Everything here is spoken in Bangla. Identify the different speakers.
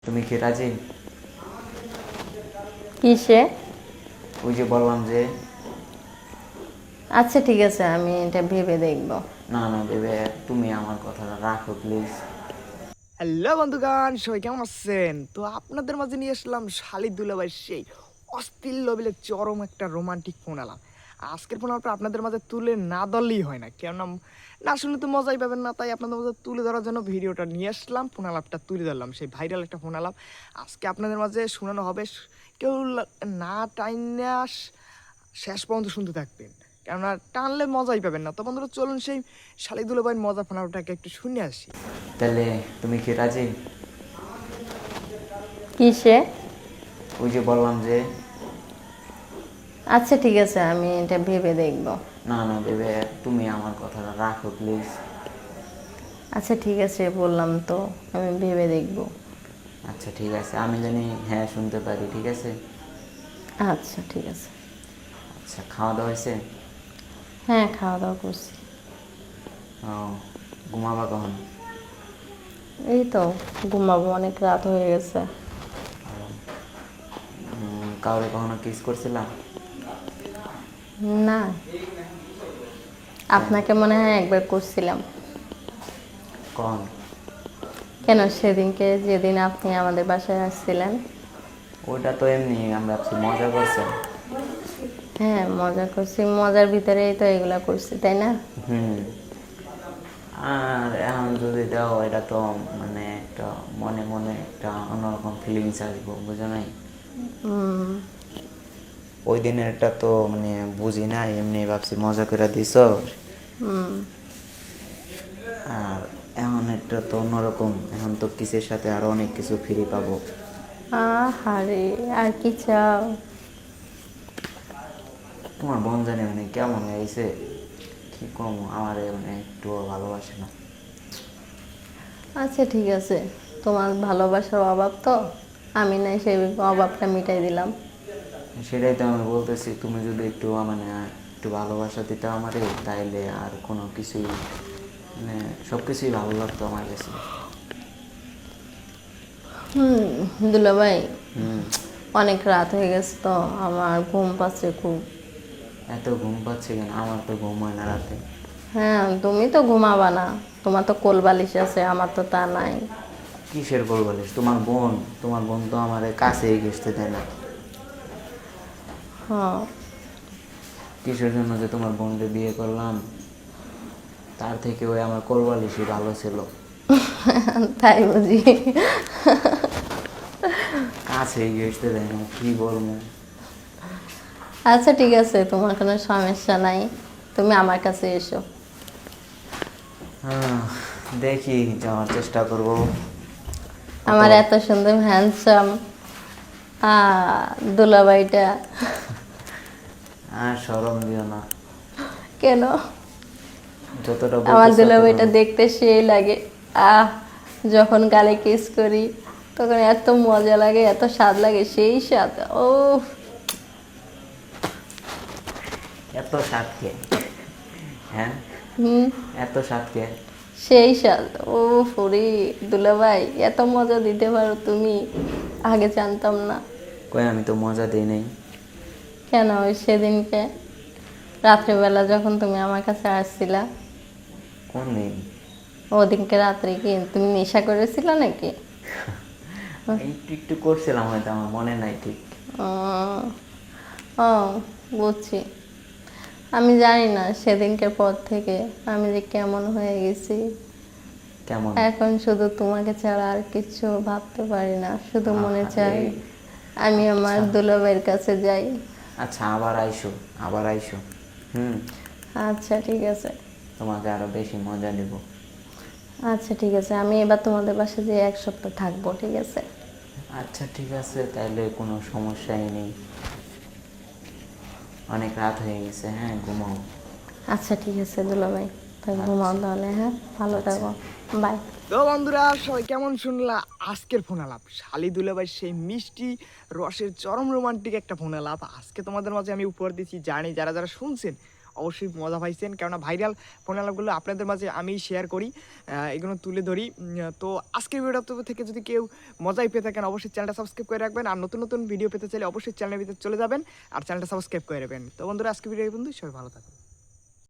Speaker 1: তুমি কি রাজি?
Speaker 2: কিসে?
Speaker 1: ওই যে বললাম যে।
Speaker 2: আচ্ছা ঠিক আছে, আমি এটা ভেবে দেখব।
Speaker 1: না না ভেবে, তুমি আমার কথাটা রাখো প্লিজ।
Speaker 3: হ্যালো বন্ধুগান, সবাই কেমন আছেন? তো আপনাদের মাঝে নিয়ে আসলাম শালিদ দুলাভাইয়ের সেই অস্থির লেভেলের চরম একটা রোমান্টিক ফোন আলাপ। আজকের ফোন আলাপটা আপনাদের মাঝে তুলে না ধরলেই হয় না, কেননা না শুনলে তো মজাই পাবেন না। তাই আপনাদের মাঝে তুলে ধরার জন্য ভিডিওটা নিয়ে আসলাম, ফোন আলাপটা তুলে ধরলাম, সেই ভাইরাল একটা ফোন আলাপ আজকে আপনাদের মাঝে শোনানো হবে। কেউ না টাইনা শেষ পর্যন্ত শুনতে থাকবেন, কেননা টানলে মজাই পাবেন না। তো বন্ধুরা চলুন সেই শালিদ দুলাভাইয়ের মজা ফোন আলাপটাকে একটু শুনে আসি।
Speaker 1: তাহলে তুমি কি রাজি?
Speaker 2: কিসে?
Speaker 1: ওই যে বললাম যে।
Speaker 2: আচ্ছা ঠিক আছে, আমি এটা ভেবে দেখব।
Speaker 1: না না ভেবে, তুমি আমার কথাটা রাখো প্লিজ।
Speaker 2: আচ্ছা ঠিক আছে, বললাম তো আমি ভেবে দেখব।
Speaker 1: আচ্ছা ঠিক আছে, আমি জানি হ্যাঁ শুনতে পারি, ঠিক আছে।
Speaker 2: আচ্ছা ঠিক আছে।
Speaker 1: আচ্ছা, খাওয়া দাওয়া হয়েছে?
Speaker 2: হ্যাঁ, খাওয়া দাওয়া করছি।
Speaker 1: ও, ঘুমাবা কখন?
Speaker 2: এই তো ঘুমাবো, অনেক রাত হয়ে গেছে।
Speaker 1: কাউরে কখনো কিস করছিলাম?
Speaker 2: না, আপনাকে মনে হয় একবার করছিলাম।
Speaker 1: কখন?
Speaker 2: কেন, সেদিনকে যেদিন আপনি আমাদের বাসায় আসছিলেন।
Speaker 1: ওইটা তো এমনি আমরা ভাবছি মজা করছি।
Speaker 2: হ্যাঁ, মজা করছি, মজার ভিতরেই তো এগুলা করছি, তাই না?
Speaker 1: হুম। আর এখন যদি দাও, এটা তো মানে একটা মনে মনে একটা অন্যরকম ফিলিংস আসবো, বুঝো নাই? ওই দিনেরটা তো মানে বুঝি না, এমনি ভাবছি মজা করে দিছ। আর এখন একটা তো অন্যরকম, এখন তো কিসের সাথে আরো অনেক কিছু ফ্রি পাবো।
Speaker 2: আহারে, আর কি চাও?
Speaker 1: তোমার বোন জানি মানে কেমন হয়েছে, কি কম, আমার মানে একটুও ভালোবাসে না।
Speaker 2: আচ্ছা ঠিক আছে, তোমার ভালোবাসার অভাব তো, আমি নাই সেই অভাবটা মিটাই দিলাম।
Speaker 1: সেটাই তো আমি বলতেছি, তুমি যদি একটু মানে একটু ভালোবাসা দিতে আমারে, তাইলে আর কোনো কিছুই মানে সব কিছুই ভালো লাগতো আমার কাছে।
Speaker 2: দুলাভাই,
Speaker 1: হুম।
Speaker 2: অনেক রাত হয়ে গেছে তো, আমার ঘুম পাচ্ছে খুব।
Speaker 1: এত ঘুম পাচ্ছে কেন? আমার তো ঘুম হয় না রাতে।
Speaker 2: হ্যাঁ, তুমি তো ঘুমাবা না, তোমার তো কোল বালিশ আছে, আমার তো তা নাই।
Speaker 1: কিসের গোল বলিস? তোমার বোন, তোমার বোন তো আমার কাছেই ঘেসতে দেয় না।
Speaker 2: হ্যাঁ।
Speaker 1: কিসের জন্য যে তোমার বোনকে বিয়ে করলাম, তার থেকে ওই আমার কোলবালিশই ভালো ছিল।
Speaker 2: তাই বুঝি?
Speaker 1: কাছেই ঘেসতে দেয় না, কি বলবো।
Speaker 2: আচ্ছা ঠিক আছে, তোমার কোনো সমস্যা নাই, তুমি আমার কাছে এসো।
Speaker 1: হ্যাঁ, দেখি যাওয়ার চেষ্টা করবো।
Speaker 2: আমার এত সুন্দর হ্যান্ডসাম দুলাভাইটা।
Speaker 1: আর শরম দিও না।
Speaker 2: কেন?
Speaker 1: যতটা
Speaker 2: আমার
Speaker 1: বলতেছ
Speaker 2: দুলাভাইটা দেখতে সেই লাগে। আহ, যখন গালে কিস করি তখন এত মজা লাগে, এত স্বাদ লাগে, সেই স্বাদ। ও,
Speaker 1: এত স্বাদ কে? হ্যাঁ,
Speaker 2: হুম,
Speaker 1: এত স্বাদ কে?
Speaker 2: সেই স্বাদ। ও ফরি, দুলাভাই এত মজা দিতে পারো তুমি, আগে জানতাম না।
Speaker 1: কই, আমি তো মজা দিই নাই।
Speaker 2: কেন, ওই সেদিনকে রাত্রেবেলা যখন তুমি আমার কাছে আসছিলা,
Speaker 1: কোন দিন?
Speaker 2: ওদিনকে রাত্রে কি তুমি নেশা করেছিলে নাকি?
Speaker 1: একটু একটু করছিলাম, হয়তো আমার মনে নাই ঠিক।
Speaker 2: উম, ও, বুঝছি। আমি জানি না সেদিনকের পর থেকে আমি যে কেমন হয়ে গেছি।
Speaker 1: কেমন?
Speaker 2: এখন শুধু তোমাকে ছাড়া আর কিছু ভাবতে পারি না, শুধু মনে চাই
Speaker 1: আহারে।
Speaker 2: আমি আমার
Speaker 1: আচ্ছা
Speaker 2: দুলাভাইয়ের কাছে যাই।
Speaker 1: আচ্ছা, আবার আইসো, আবার আইসো। হুম।
Speaker 2: আচ্ছা ঠিক আছে।
Speaker 1: তোমাকে আরো বেশি মজা দেব।
Speaker 2: আচ্ছা ঠিক আছে, আমি এবার তোমাদের বাসায় যেয়ে এক সপ্তাহ থাকবো, ঠিক আছে?
Speaker 1: আচ্ছা ঠিক আছে, তাইলে কোনো সমস্যাই নেই। অনেক রাত হয়ে গেছে, হ্যাঁ ঘুমাও।
Speaker 2: আচ্ছা ঠিক আছে দুলাভাই, তাই ঘুমাও
Speaker 1: আচ্ছা
Speaker 2: তাহলে। হ্যাঁ, ভালো
Speaker 1: আচ্ছা।
Speaker 2: থাকো। বাই।
Speaker 3: তো বন্ধুরা সবাই কেমন শুনলা আজকের ফোন আলাপ শালিদ দুলাভাই সেই মিষ্টি রসের চরম রোমান্টিক একটা ফোন আলাপ আজকে তোমাদের মাঝে আমি উপহার দিচ্ছি। জানি যারা যারা শুনছেন অবশ্যই মজা পাইছেন, কেননা ভাইরাল ফোন আলাপগুলো আপনাদের মাঝে আমি শেয়ার করি, এগুলো তুলে ধরি। তো আজকের ভিডিওটা থেকে যদি কেউ মজাই পেয়ে থাকেন অবশ্যই চ্যানেলটা সাবস্ক্রাইব করে রাখবেন, আর নতুন নতুন ভিডিও পেতে চাইলে অবশ্যই চ্যানেলের ভিতরে চলে যাবেন আর চ্যানেলটা সাবস্ক্রাইব করে রাখবেন। তো বন্ধুরা আজকে ভিডিও এই পর্যন্তই, সবাই ভালো থাকুন।